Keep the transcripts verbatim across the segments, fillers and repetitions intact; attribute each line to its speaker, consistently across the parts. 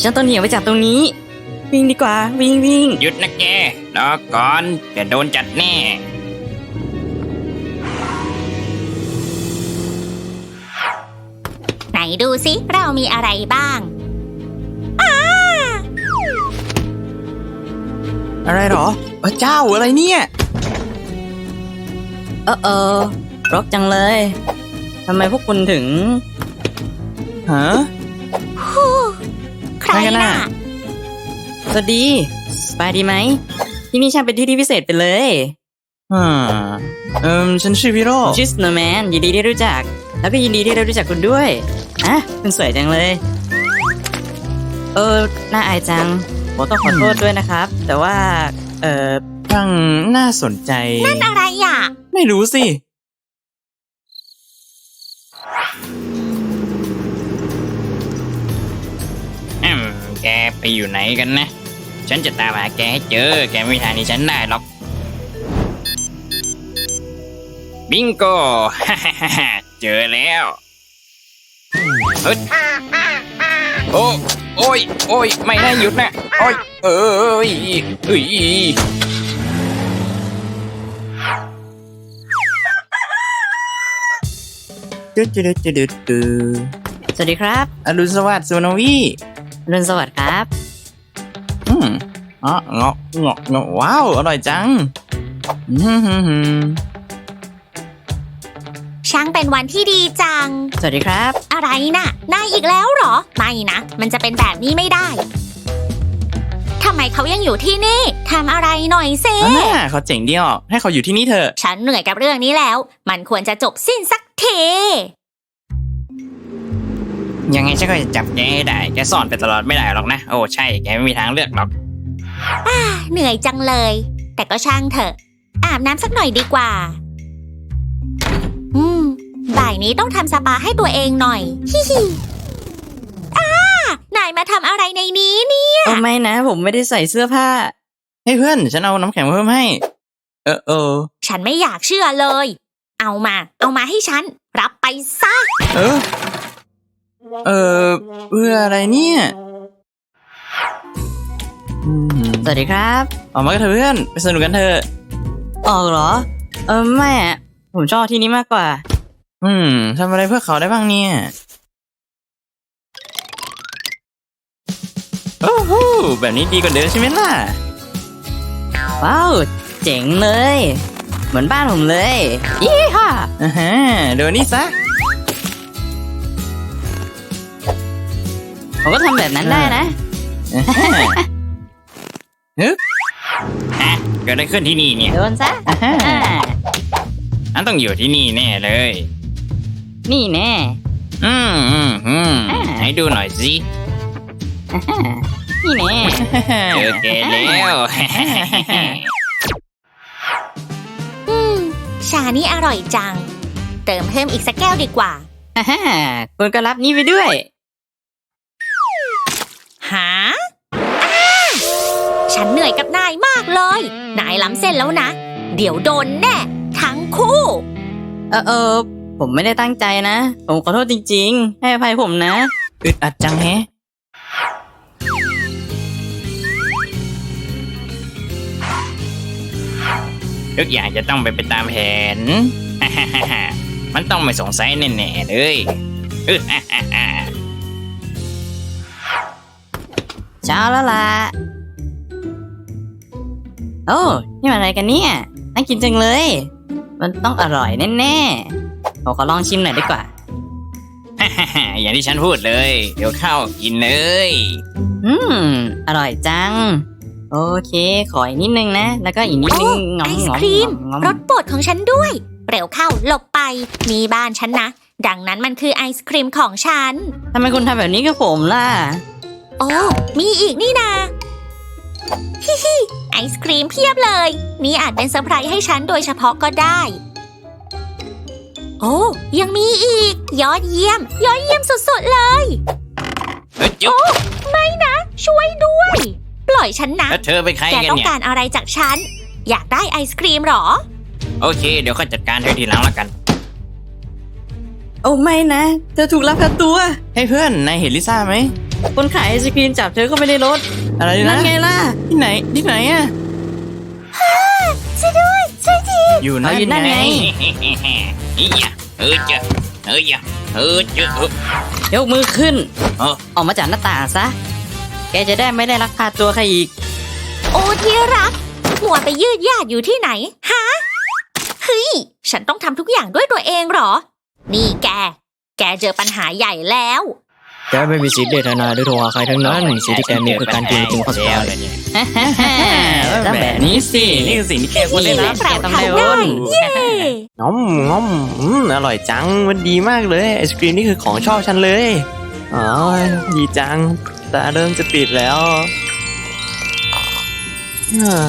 Speaker 1: ฉันต้องหนีออกไปจากตรงนี้วิ่งดีกว่าวิ่งวิ่ง
Speaker 2: หยุดนะแกรอก่อนจะโดนจัดแน่
Speaker 3: ไหนดูสิเรามีอะไรบ้างอ้า
Speaker 4: อะไรหรอพระเจ้าอะไรเนี่ย
Speaker 1: เออเออรกจังเลยทำไมพวกคุณถึง
Speaker 4: ฮะ
Speaker 3: ฮู้ใคร
Speaker 4: ใครกันน่ะ
Speaker 3: น่ะ
Speaker 1: สวัสดีสบายดีไหมที่นี่ช่างเป็นที่ที่พิเศษไปเลย
Speaker 4: อ่าเอิมฉันชื่อพิโร
Speaker 1: ผมชื่อสโนว์แมนยินดีที่ได้รู้จัก แล้วก็ยินดีที่ได้รู้จักคุณด้วยอ่ะคุณสวยจังเลย เออน่าอายจังผมต้องขอโทษด้วยนะครับ แต่ว่า เออ
Speaker 4: ช่างน่าสนใจ
Speaker 3: นั่นอะไรอ่ะ
Speaker 4: ไม่รู้สิ
Speaker 2: อืมแกไปอยู่ไหนกันนะ ฉันจะตามหาแกให้เจอ แกไม่มีทางหนี้ฉันได้หรอก บิงโก เจอแล้วเฮ้ยโอ้โอ้ยโอ้ยไม่ได้หยุดนะโอ้ยเอ้ยเอ้ย
Speaker 4: จุดจุดจุดจุดจุด
Speaker 1: สวัสดีครับ
Speaker 4: อรุณสวัสดิ์สุนวี
Speaker 1: อรุณสวัสดิ์ครับ
Speaker 4: อืมอ๋อเงาะเงาะเงาะว้าว อร่อยจังอืมฮึมฮึม
Speaker 3: ช่างเป็นวันที่ดีจัง
Speaker 1: สวัสดีครับ
Speaker 3: อะไรน่ะนายอีกแล้วเหรอ ไม่นะ มันจะเป็นแบบนี้ไม่ได้ทำไมเขายังอยู่ที่นี่ทำอะไรหน่อยเซ
Speaker 4: อันน่ะเขาเจ๋งดีออกให้เขาอยู่ที่นี่เถอะ
Speaker 3: ฉันเหนื่อยกับเรื่องนี้แล้ว มันควรจะจบสิ้นสักที
Speaker 2: ยังไงฉันก็จะจับแกให้ได้ แกซ่อนไปตลอดไม่ได้หรอกนะ โอ้ใช่ แกไม่มีทางเลือกหรอก
Speaker 3: เหนื่อยจังเลย แต่ก็ช่างเถอะ อาบน้ำสักหน่อยดีกว่า อืม บ่ายนี้ต้องทำสปาให้ตัวเองหน่อย ฮิฮิอ้านายมาทำอะไรในนี้เนี่ย
Speaker 1: โอ้ไม่นะ ผมไม่ได้ใส่เสื้อผ้า
Speaker 4: ให้เพื่อน ฉันเอาน้ำแข็งมาเพิ่มให้ เออเออ
Speaker 3: ฉันไม่อยากเชื่อเลย เอามา เอามาให้ฉัน รับไปซะ
Speaker 4: เออ เออเพื่ออะไรเนี่ยอืม
Speaker 1: สวัสดีครับ
Speaker 4: ออกมากันเถอะเพื่อน ไปสนุกกันเถอะ
Speaker 1: ออกเหรอ เออไม่อะผมชอบที่นี้มากกว่า
Speaker 4: อืมทำอะไรเพื่อเขาได้บ้างเนี่ย โอ้โหแบบนี้ดีกว่าเดิมใช่ไหมล่ะ
Speaker 1: ว้าวเจ๋งเลย เหมือนบ้านผมเลยยี่ห้า
Speaker 4: อ่าฮะเดี๋ยวนี้ซะ
Speaker 1: ผมก็ทำแบบนั้นได้นะ
Speaker 4: อ่าฮะฮึบ
Speaker 2: ฮะ เกิดอะไรขึ้นที่นี่เนี่ย
Speaker 1: โดนซะ
Speaker 4: อ่าฮะ
Speaker 1: อ่า
Speaker 2: อันต้องอยู่ที่นี่แน่เลย
Speaker 1: นี่แน่
Speaker 2: อืมอืมอืม
Speaker 1: อ่า
Speaker 2: ให้ดูหน่อยสิ
Speaker 1: อ่าฮะนี่แน่
Speaker 2: เจอแกแล้ว
Speaker 3: อืม ชานี่อร่อยจัง เติมเพิ่มอีกสักแก้วดีกว่า
Speaker 1: อ่าฮะคุณก็รับนี่ไปด้วย
Speaker 3: หาอ้าฉันเหนื่อยกับนายมากเลย นายล้ำเส้นแล้วนะ เดี๋ยวโดนแน่ ทั้งคู่
Speaker 1: เออเออผมไม่ได้ตั้งใจนะ ผมขอโทษจริงๆ ให้อภัยผมนะ
Speaker 4: อึดอัดจังแฮะ
Speaker 2: ทุกอย่างจะต้องไปไปตามแผน มันต้องไม่สงสัยแน่ๆเลยเออ
Speaker 1: เช้าแล้วล่ะ โอ้นี่มันอะไรกันเนี่ยน่ากินจังเลย มันต้องอร่อยแน่ๆผมขอลองชิมหน่อยดีกว่า
Speaker 2: อย่างที่ฉันพูดเลย เดี๋ยวเข้ากินเลย
Speaker 1: อืม อร่อยจัง โอเค ขออีกนิดนึงนะ แล้วก็อีกนิดนึงงอม
Speaker 3: ไอศ
Speaker 1: งอม
Speaker 3: ครีม
Speaker 1: งอม
Speaker 3: รสโปรดของฉันด้วย เร็วเข้าหลบไป มีบ้านฉันนะ ดังนั้นมันคือไอศครีมของฉัน
Speaker 1: ทำไมคุณทำแบบนี้กับผมล่ะ
Speaker 3: โอ้มีอีกนี่นาฮิฮิไอศครีมเพียบเลย นี่อาจเป็นเซอร์ไพรส์ให้ฉันโดยเฉพาะก็ได้ โอ้ยังมีอีก ยอดเยี่ยม ยอดเยี่ยมสุดๆเลย
Speaker 2: เอ้ยจุ๊บ
Speaker 3: ไม่นะ ช่วยด้วย ปล่อยฉันนะ
Speaker 2: แล้วเธอเป็นใคร
Speaker 3: แก
Speaker 2: กัน
Speaker 3: ต้อง
Speaker 2: เนี่ย
Speaker 3: การอะไรจากฉัน อยากได้ไอศครีมเหรอ
Speaker 2: โอเค เดี๋ยวค่อยจัดการเธอทีหลังละกัน
Speaker 1: โอ้ไม่นะ เธอถูกลักพาตัว
Speaker 4: ให้เพื่อน นายเห็นลิซ่าไหม
Speaker 1: คนขายไอศกรีมจับเธอเข้าไปในรถ
Speaker 4: อะไร
Speaker 1: นั่
Speaker 4: นะ
Speaker 1: นไงล่ะ
Speaker 4: ที่ไหนที่ไหนอะ
Speaker 3: ช่วยด้วยช่วยที
Speaker 4: อยู่
Speaker 1: เอา
Speaker 4: นั่น
Speaker 1: อยู่นั่นไง
Speaker 2: อียะเออจะเออจะเออจะเออย
Speaker 1: กมือขึ้น
Speaker 2: เออ
Speaker 1: ออกมาจากหน้าต่างซะ แกจะได้ไม่ได้ลักพาตัวใครอีก
Speaker 3: โอ้ที่รักมัวไปยืดยาดอยู่ที่ไหนฮะเฮ้ยฉันต้องทำทุกอย่างด้วยตัวเองเหรอ นี่แก แกเจอปัญหาใหญ่แล้ว
Speaker 1: แกไม่มีสิทธิ์เดทนาด้วยโทรหาใครทั้งนั้นสิ่งที่แกมีคือการกินจริงข้อสุดท้าย
Speaker 2: แล้วเนี่ย
Speaker 1: แล้วแบบนี้สิ นี่คือสิ่งที่แกควรได้รับ
Speaker 3: แปล
Speaker 1: แก
Speaker 3: ก
Speaker 1: ต้อง
Speaker 3: เขา
Speaker 1: ได้
Speaker 3: ได้
Speaker 1: โอน
Speaker 3: เย้
Speaker 4: ง้อมง้อมอืมอร่อยจังมันดีมากเลยไอศกรีมนี่คือของชอบฉันเลยอ๋อดีจังตาเริ่มจะปิดแล้วอ่า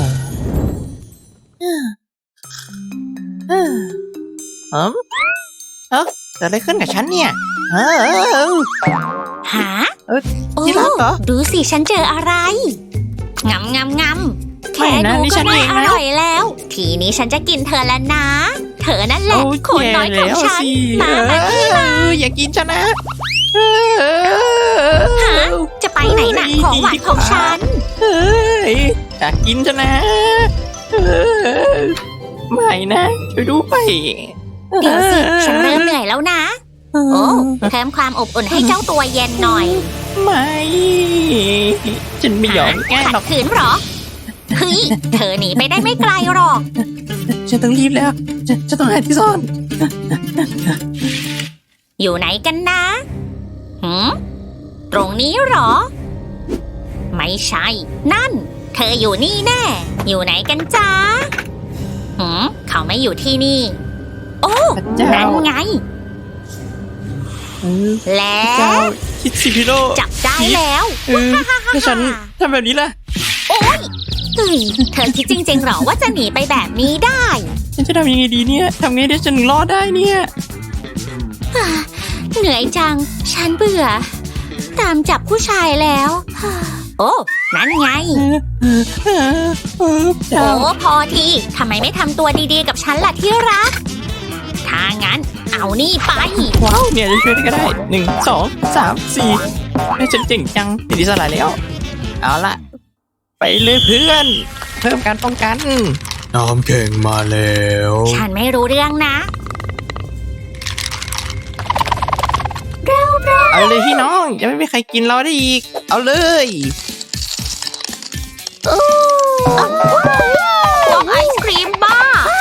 Speaker 4: อืมเอ้าเอ้าเกิดอะไรขึ้นกับฉันเนี่ยเออเออเออ
Speaker 3: หา
Speaker 4: เอ้ย
Speaker 3: โอ้
Speaker 4: ที่รักเหรอ
Speaker 3: ดูสิฉันเจออะไรงำงำงำแค่
Speaker 4: ไม่นะ
Speaker 3: ดู
Speaker 4: นี่
Speaker 3: ก็
Speaker 4: ฉัน
Speaker 3: น่า
Speaker 4: เอง
Speaker 3: อ
Speaker 4: นะ
Speaker 3: ร่อยแล้ว ทีนี้ฉันจะกินเธอแล้วนะ เธอนั่นแหละ
Speaker 4: โอ้ย
Speaker 3: คนน้อยของ
Speaker 4: แย่แล้ว
Speaker 3: ฉัน
Speaker 4: สิ
Speaker 3: มามานี่
Speaker 4: เอออย่ากินฉันนะเออ
Speaker 3: หาจะไปไหนหนักของหวานของฉัน
Speaker 4: เฮ้ยอยากกินฉันนะเออไม่นะช่วยด้วย
Speaker 3: เดี๋ยวสิ ฉันเริ่มเหนื่อยแล้วนะ โอ้เพิ่มความอบอุ่นให้เจ้าตัวเย็นหน่อย
Speaker 4: ไม่ฉันไม่ยอมแกล้ง
Speaker 3: ขั
Speaker 4: หร
Speaker 3: ด
Speaker 4: อก
Speaker 3: ขืนเหรอ เฮ้ย เธอหนีไปได้ไม่ไกลหรอก
Speaker 4: ฉันต้องรีบแล้วฉันฉันต้องหาที่ซ่อน
Speaker 3: อยู่ไหนกันนะหืมตรงนี้เหรอ ไม่ใช่ นั่น เธออยู่นี่แน่ อยู่ไหนกันจ๊ะหืมเขาไม่อยู่ที่นี่ โอ้
Speaker 4: พระเจ้า
Speaker 3: นั่นไง
Speaker 4: เออ
Speaker 3: แล้
Speaker 4: พระเจ้าว คิดสิพี่โล
Speaker 3: จับได้แล้ว
Speaker 4: เออถ้าฉันทำแบบนี้ล่ะ
Speaker 3: โอ้ยเฮ้ยเธอคิดจริงๆเหรอว่าจะหนีไปแบบนี้ได้
Speaker 4: ฉันจะทำยังไงดีเนี่ยทำไงได้ฉันถึงรอดได้เนี่ย
Speaker 3: เหนื่อยจัง ฉันเบื่อ ตามจับผู้ชายแล้ว โอ้ นั่นไง
Speaker 4: เออเออเจ้า
Speaker 3: โอ้ พอทีทำไมไม่ทำตัวดีๆกับฉันล่ะที่รัก ถ้างั้น เอานี่ไป
Speaker 4: ว้าวเนี่ยจะช่วยได้ก็ได้หนึ่งสองสามสี่ให้ฉันเจ๋งจังติดอิสระแล้ว เอาละไปเลยเพื่อน เพิ่มการป้องกัน น้ำแข็งมาแล้ว
Speaker 3: ฉันไม่รู้เรื่องนะ
Speaker 4: เอาเลยพี่น้องจะไม่มีใครกินเราได้อีก เอาเลย
Speaker 3: น้องไอศครีมบ้า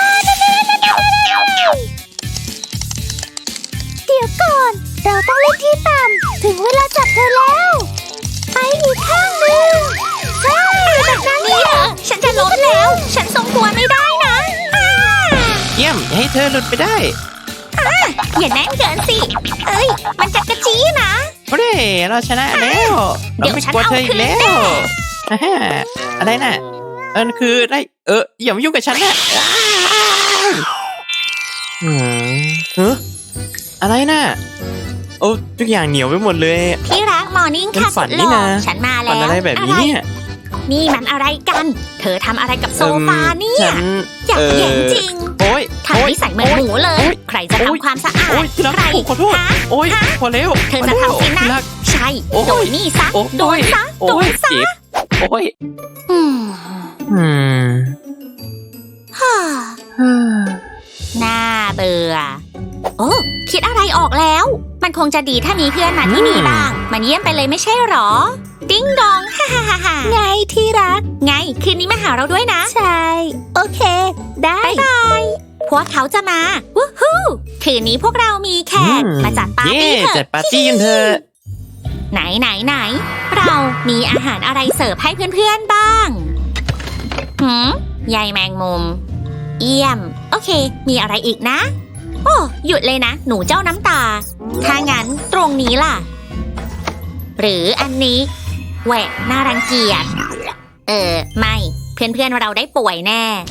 Speaker 3: เดี๋ยวก่อน เราต้องเล่นที่ต่ำ ถึงเวลาจับเธอแล้ว ไปอีกข้างหนึ่งใช่แบบนั้นนี่เหรอฉันจะล้มแล้ว ฉันทรงตัวไม่ได้นะอ่า
Speaker 4: เยี่ยมอย่าให้เธอหลุดไปได้
Speaker 3: อย่าแน่นเกินสิ เอ้ย มันจะกระจี้นะ
Speaker 4: โอ้ยเราชนะแล้ว
Speaker 3: เดี๋
Speaker 4: เรา
Speaker 3: ยว
Speaker 4: ไม่
Speaker 3: ฉัน
Speaker 4: กลัวเธออีกแล้ว
Speaker 3: เอาคืนแน่
Speaker 4: อ่าฮะอะไรน่ะเออคือได้ เอออย่ามายุ่งกับฉันนะอ้าวอืมเอออะไรน่ะโอ้ทุกอย่างเหนียวไปหมดเลย
Speaker 3: ที่รักมอร์นิ่ง
Speaker 4: เป็น
Speaker 3: ค่ะ
Speaker 4: ฝั
Speaker 3: สุ
Speaker 4: น
Speaker 3: ดห
Speaker 4: นี่
Speaker 3: ล่อ
Speaker 4: นะ
Speaker 3: ฉันมาแล้ว
Speaker 4: ฝันอะไรแบบนี้เนี่ย
Speaker 3: นี่มันอะไรกัน เธอทำอะไรกับโซฟาเนี่
Speaker 4: ฉั
Speaker 3: ย
Speaker 4: น
Speaker 3: อยาก
Speaker 4: เออ
Speaker 3: แย่งจริง
Speaker 4: โอ้ย
Speaker 3: ทำนิสัยเหมือนหมูเลย
Speaker 4: โอ๊ย
Speaker 3: ใครจะ
Speaker 4: โอ๊ย
Speaker 3: ทำความสะอาด
Speaker 4: โอ้ยที่รัก
Speaker 3: ใคร
Speaker 4: ผมขอโทษ
Speaker 3: ฮะ
Speaker 4: โอ้ยพอแล้ว
Speaker 3: เธอจะทำสินะ
Speaker 4: ที่รัก
Speaker 3: ใช่
Speaker 4: โอ๊ย
Speaker 3: โดนนี่ซะ
Speaker 4: โอ้ย
Speaker 3: โดนซะ
Speaker 4: โอ้
Speaker 3: โด
Speaker 4: ย
Speaker 3: นซะ
Speaker 4: เจ็บโอ้ย
Speaker 3: อืม
Speaker 4: อืม
Speaker 3: ฮ่า
Speaker 4: ฮ่า
Speaker 3: น่าเบื่อ โอ้คิดอะไรออกแล้ว มันคงจะดีถ้ามีเพื่อนมาที่นี่บ้าง มันเยี่ยมไปเลยไม่ใช่หรอ ดิ้งดอง ฮ่าฮ่าฮ่าฮ่าไงที่รัก ไง คืนนี้มาหาเราด้วยนะ ใช่ โอเค ได้บายบาย พวกเขาจะมาวู้ฮู้คืนนี้พวกเรามีแขก
Speaker 4: อื
Speaker 3: มาจัดปาร์ตี้
Speaker 4: เย่
Speaker 3: เถ
Speaker 4: จัด
Speaker 3: อะ
Speaker 4: ปาร์ตี้กันเถอะ
Speaker 3: ไหนไหนไหน เรามีอาหารอะไรเสิร์ฟให้เพื่อนๆบ้างหืมใยแมงมุม เยี่ยม โอเค มีอะไรอีกนะ โอ้หยุดเลยนะ หนูเจ้าน้ำตา ถ้างั้นตรงนี้ล่ะ หรืออันนี้แหวกน่ารังเกียจ เออ ไม่ เพื่อนๆเราได้ป่วยแน่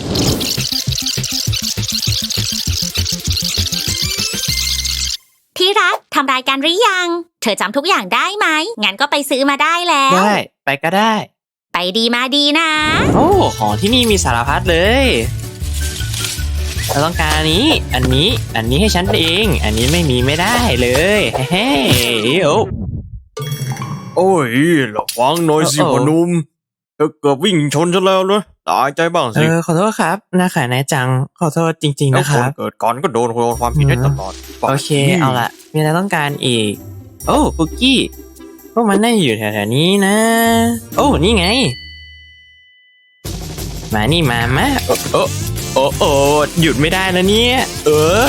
Speaker 3: ที่รักทำรายการหรือยัง เธอจำทุกอย่างได้ไหม งั้นก็ไปซื้อมาได้แล้ว
Speaker 4: ได้ไปก็ได้
Speaker 3: ไปดีมาดีนะ
Speaker 4: โอ้ของที่นี่มีสารพัดเลย เราต้องการอันนี้ อันนี้ อันนี้ให้ฉันเอง อันนี้ไม่มีไม่ได้เลยเฮ้ๆโอ้
Speaker 2: โอ้ยระวังหน่อยสิ
Speaker 4: โอ้โอ้
Speaker 2: พ่อหนุ่มเธอเกือบวิ่งชนฉันแล้วนะตายใจบ้าง
Speaker 4: เอ
Speaker 2: สิ
Speaker 4: อขอโทษครับนาขายนายจังขอโทษจริง ๆ
Speaker 2: แล้ว
Speaker 4: นะค
Speaker 2: คน
Speaker 4: รับ
Speaker 2: เกิดก่อนก็โดนความผิดได้ตลอด
Speaker 4: โอเคเอาละมีอะไรต้องการอีก โอ้คุกกี้พวกมันน่าอยู่แถวๆนี้นะ โอ้นี่ไง มานี่มามาโอ้โอ้โอ้โอ้หยุดไม่ได้แล้วเนี่ย เอ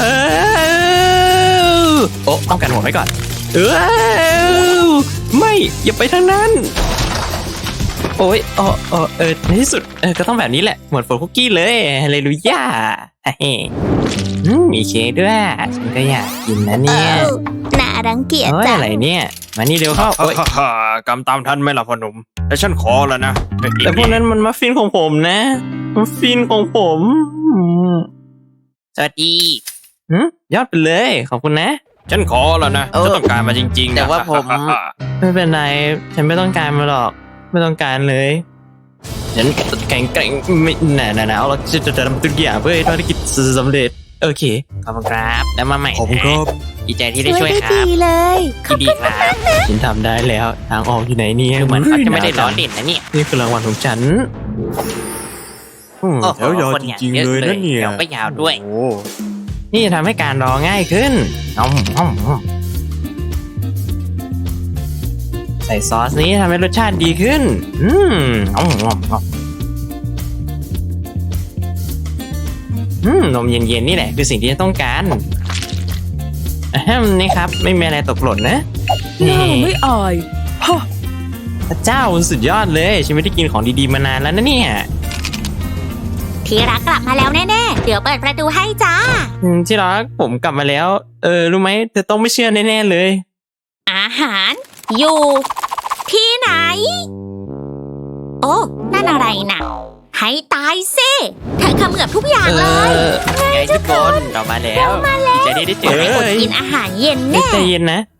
Speaker 4: อโอ้ต้องกันหัวไว้ก่อน เออไม่อย่าไปทางนั้น โอ้ยโอ้โอ้เออในที่สุดเออก็ต้องแบบนี้แหละหมดโฟคุกกี้เลยฮาเลลูยาเฮ้อืมมีเค้กด้วยฉันก็อยากกินนะเนี่ย
Speaker 3: เอ้าน่ารังเกียจ
Speaker 4: โอ้ย
Speaker 3: จัง
Speaker 4: อะไรเนี่ย มานี่เร็วเข้าโอ้ย
Speaker 2: ฮ่าฮ่าฮ่ากำตามทันไหมล่ะพ่อหนุ่มแต่ฉันขอแล้วนะ
Speaker 4: แต่พวกนั้นมันมัฟฟินของผมนะมัฟฟินของผมอืม
Speaker 1: สวัสดี
Speaker 4: หืมยอดไปเลย ขอบคุณนะ
Speaker 2: ฉันขอแล้วนะ
Speaker 1: เออ
Speaker 2: ฉันต้องการมาจริงๆนะ
Speaker 1: แต่ว่าผม
Speaker 2: ฮ่ฮ่า
Speaker 4: ไม่เป็นไร ฉันไม่ต้องการมาหรอก ไม่ต้องการเลย ฉันแข็งแกร่งไม่หนาหนาหนาวเราจะจะทำทุกอย่างเพื่อให้ภารกิจสำเร็จ โอเค ขอบคุณครับ แล้วมาใหม่
Speaker 2: ขอบคุณครับ
Speaker 1: ดีใจที่ได้
Speaker 3: ช่
Speaker 1: ช่
Speaker 3: ว
Speaker 1: วย ย
Speaker 3: ได้
Speaker 1: ครั
Speaker 3: ดี
Speaker 1: บ
Speaker 3: เลย
Speaker 1: ยินดีครับ
Speaker 4: ฉันทำได้แล้ว ทางออกอยู่ไหนเนี่ย
Speaker 1: คือเหมือนเขาจะไม่ได้ล้อ
Speaker 4: เล่น
Speaker 1: เล่นนะเนี่ย
Speaker 4: นี่คือรางวัลของฉันอืม
Speaker 1: โอ้โห
Speaker 2: แถวยาว
Speaker 1: คน
Speaker 2: จ
Speaker 1: อย่าง
Speaker 2: ริง
Speaker 1: เย
Speaker 2: ๆ
Speaker 1: อะ
Speaker 2: เลยนะเนี่ย
Speaker 1: แถวก็ยาวด้วย
Speaker 2: โอ้
Speaker 4: นี่จะทำให้การรอง่ายขึ้นอืมอืมอืมใส่ซอสนี้ทำให้รสชาติดีขึ้น อืมอืมอืมอืมอืมนมเย็นๆนี่แหละคือสิ่งที่ฉันต้องการอะแฮมนี่ครับ ไม่มีอะไรตกหล่นนะนี่
Speaker 5: ไม่อาย
Speaker 4: พระเจ้าสุดยอดเลย ฉันไม่ได้กินของดีๆมานานแล้วนะเนี่ย
Speaker 3: ที่รักกลับมาแล้วแน่ๆ เดี๋ยวเปิดประตูให้จ้า
Speaker 4: อืมที่รักผมกลับมาแล้ว เออ รู้ไหมเธอต้องไม่เชื่อแน่ๆเลย
Speaker 3: อาหาร อยู่ ที่ไหน โอ้ นั่นอะไรน่ะ ให้ตายซิเธอเขมือบทุกอย่าง
Speaker 4: เอ
Speaker 3: เลย
Speaker 4: อ
Speaker 1: ไงทุกคนเรามาแล้วดีใจที่ได้เจอ
Speaker 4: เอ้
Speaker 3: อด
Speaker 4: ย
Speaker 3: กินอาหารเย็น
Speaker 4: เอ้ย
Speaker 3: แน่
Speaker 4: ใจเย็นนะ